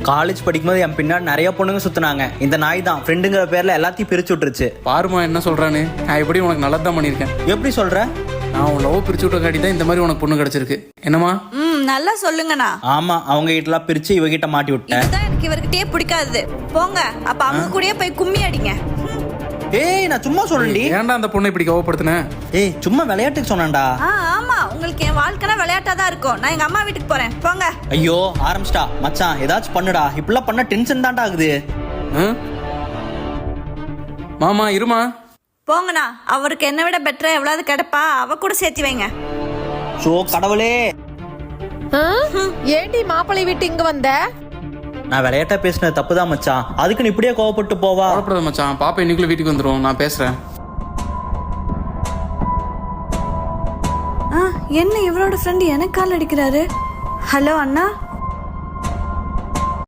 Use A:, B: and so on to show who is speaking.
A: College படிக்கும்போது என் பின்னாடி நிறைய பொண்ணுங்க சுத்தினாங்க. இந்த நாய் தான் ஃப்ரெண்டுங்கிற பேர்ல எல்லாத்தையும் பிரிச்சு விட்டுருச்சு.
B: பாருமா என்ன சொல்றான்னு. நான் எப்படி உனக்கு நல்லது தான் பண்ணியிருக்கேன்.
A: எப்படி சொல்ற?
B: நான் உன் லவ் பிரிச்சு விட்ட காட்டி தான் இந்த மாதிரி உனக்கு பொண்ணு கிடைச்சிருக்கு. என்னமா?
C: நல்லா சொல்லுங்கண்ணா.
A: ஆமா, அவங்க கிட்டலாம் பிரிச்சு இவகிட்ட மாட்டி விட்டேன்.
C: இதுதான் எனக்கு இவர்கிட்டயே பிடிக்காது. போங்க, அப்ப அவங்க கூடயே போய் கும்மி அடிங்க.
A: ஏய், நான் சும்மா சொல்றேன்டி.
B: ஏன்டா அந்த பொண்ணை இப்படி கோவப்படுத்தின?
A: ஏய், சும்மா விளையாட்டுக்கு சொன்னேன்டா.
C: ஆமா, உங்களுக்கு என் வாழ்க்கைனா விளையாட்டா தான் இருக்கும். நான் எங்க அம்மா வீட்டுக்கு போறேன். போங்க.
A: ஐயோ, ஆரம்பிச்சிட்டா. மச்சான் ஏதாச்சும் பண்ணுடா. இப்படிலாம் பண்ண டென்ஷன் தான்டா ஆகுது.
B: மாமா இருமா.
C: போங்கண்ணா. அவருக்கு என்ன விட பெட்டரா எவ்வளவு கிடைப்பா, அவ கூட சேர்த்து வைங்க.
A: சோ கடவுளே,
D: ஏண்டி மாப்பிள்ளை வீட்டு இங்க வந்த?
A: நான் விளையாட்டா பேசினது தப்புதான் மச்சான். அதுக்கு நீ இப்படியே கோவப்பட்டு போவா?
B: கோவப்படாத மச்சான். பாப்பா இன்னைக்குள்ள வீட்டுக்கு வந்துடும். நான் பேசுறேன்.
C: என்ன இவரோட ஃப்ரெண்ட் எனக்கு கால் அடிக்கிறாரு? ஹலோ அண்ணா.